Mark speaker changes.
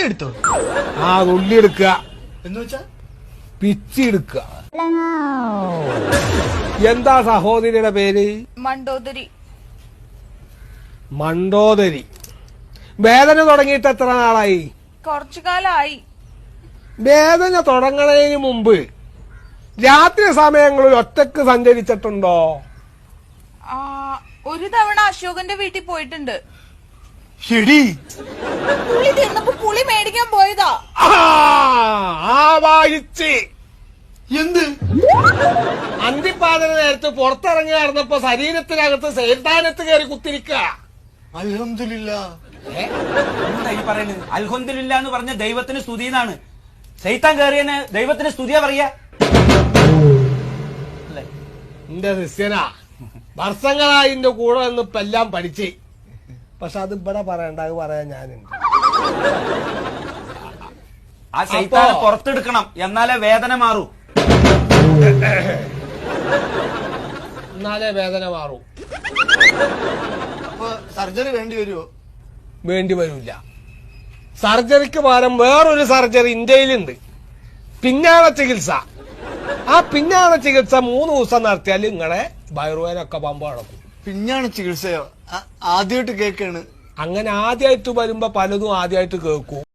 Speaker 1: എടുത്തോ?
Speaker 2: ആ നുള്ളി എടുക്കുക
Speaker 1: എന്ന് വെച്ചാ
Speaker 2: പിച്ചി എടുക്കുക. എന്താ സഹോദരിയുടെ പേര്?
Speaker 3: മണ്ടോദരി.
Speaker 2: മണ്ടോദരി. വേദന തുടങ്ങിയിട്ട് എത്ര നാളായി?
Speaker 3: കുറച്ചു കാലമായി.
Speaker 2: വേദന തുടങ്ങണതിന് മുമ്പ് രാത്രി സമയങ്ങളിൽ ഒറ്റക്ക് സഞ്ചരിച്ചിട്ടുണ്ടോ?
Speaker 3: ഒരു തവണ അശോകന്റെ വീട്ടിൽ പോയിട്ടുണ്ട്.
Speaker 1: എടി
Speaker 3: പുളി തിന്നപ്പോ പുളി മേടിക്കാൻ പോയതാ.
Speaker 2: വായിച്ച്
Speaker 1: എന്ത്
Speaker 2: അന്തിപ്പാതിന് നേരത്ത് പുറത്തിറങ്ങി നടന്നപ്പോ ശരീരത്തിനകത്ത് സൈതാനത്ത് കയറി കുത്തിരിക്കുക.
Speaker 1: അൽഹംദുലില്ലാ.
Speaker 4: എന്താ ഈ പറയുന്നത്? അൽഹംദുലില്ലാ എന്ന് പറഞ്ഞ ദൈവത്തിന് സ്തുതി എന്നാണ്. ശൈത്താൻ കയറിയന് ദൈവത്തിന് സ്തുതിയാ പറയാ.
Speaker 2: എന്റെ ശിഷ്യനാ, വർഷങ്ങളായി എന്റെ കൂടെ നിന്ന് ഇപ്പൊ എല്ലാം പഠിച്ച്. പക്ഷെ അത് ഇവിടെ പറയണ്ട, അത് പറയാൻ ഞാനുണ്ട്.
Speaker 4: ആ ശൈത്താനെ പുറത്തെടുക്കണം, എന്നാലേ വേദന മാറൂ.
Speaker 2: എന്നാലേ വേദന മാറൂ.
Speaker 1: അപ്പൊ സർജറി വേണ്ടി വരുമോ?
Speaker 2: വേണ്ടി വരില്ല. സർജറിക്ക് പകരം വേറൊരു സർജറി ഇന്ത്യയിലുണ്ട്, പിന്നാണ ചികിത്സ. ആ പിന്നാണ ചികിത്സ 3 ദിവസം നടത്തിയാൽ നിങ്ങളെ വയറുവേനൊക്കെ പമ്പ നടക്കും.
Speaker 1: പിന്നാണ് ചികിത്സയോ? ആദ്യമായിട്ട് കേക്കാണ്.
Speaker 2: അങ്ങനെ ആദ്യമായിട്ട് വരുമ്പോ പലതും ആദ്യമായിട്ട് കേൾക്കും.